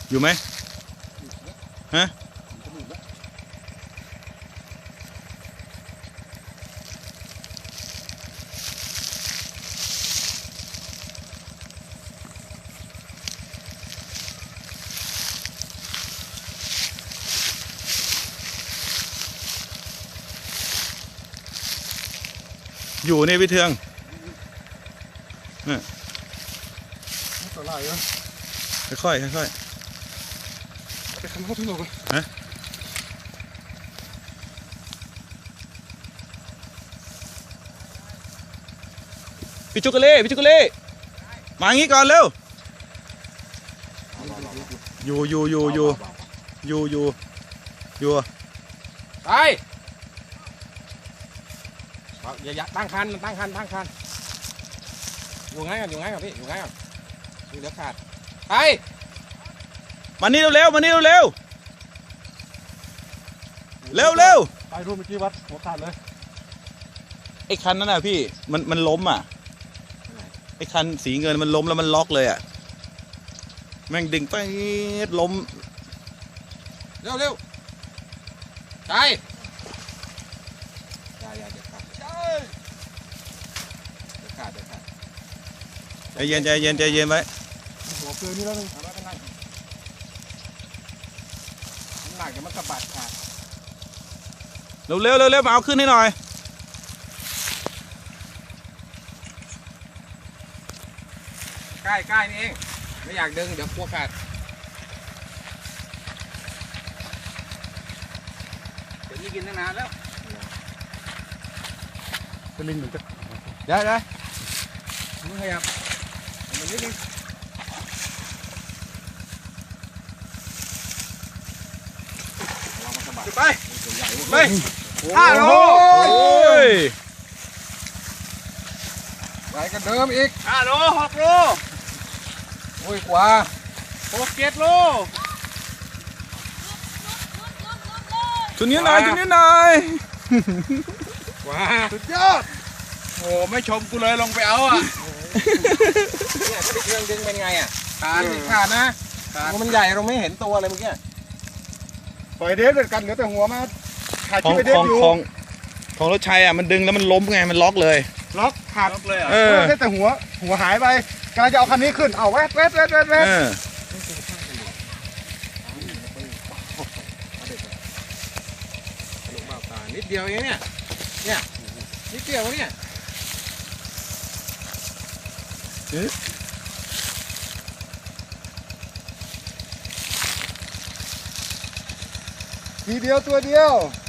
อยู่ไหมฮะอยู่ในพี่เทืองตัวลายเหรอค่อยๆค่อยไปทำเขาที่ไหนกันฮะพี่จุกเล่พี่จุกเล่มางี้ก่อนเร็วอยู่ไปอย่าตั้งคันอยู่ไงกันพี่อยู่ไงกันเดี๋ยวขาดไปมานี่เร็วมานี่เร็วไปรูปเมื่อกี้วัดหัวขาดเลยไอ้คันนั้นน่ะพี่มันล้มอ่ะไอ้คันสีเงินมันล้มแล้วมันล็อกเลยอ่ะแม่งดึงไปล้มเร็วไปอย่าเดี๋ยวขาดใจเย็นไว้หัวเกลือนี่แล้วนึงน้ำหนักเดี๋ยวมันสะบัดขาดเร็วมาเอาขึ้นให้หน่อยใกล้นี่เองไม่อยากดึงเดี๋ยวกลัวขาดเดี๋ยวนี้กินตั้งนานแล้วเป็นลิงเหมือนกันเดี๋ยวมึงขยับมันนิดนึงไป5 โลไปกันเดิมอีก5 โล 6 โลโอ้ยกว่า6 7 โลชุดนี้หน่อยกว่าสุดยอดโอ้ไม่ชมกูเลยลงไปเอาอ่ะเนี่ยก็ไปเครื่องดึงเป็นไงอ่ะขาดนะมันใหญ่เราไม่เห็นตัวเลยเมื่อกี้ปล่อยเดฟเด็ดกันเหลือแต่หัวมาถ่ายคลิปไปเดฟอยู่ของรถชัยอ่ะมันดึงแล้วมันล้มไงมันล็อกเลยล็อกขาดเลยได้แต่หัวหายไปกำลังจะเอาคันนี้ขึ้นเอาแวดนิดเดียวเองเนี่ยนิดเดียวเนี่ยทีเดียวตัวเดียว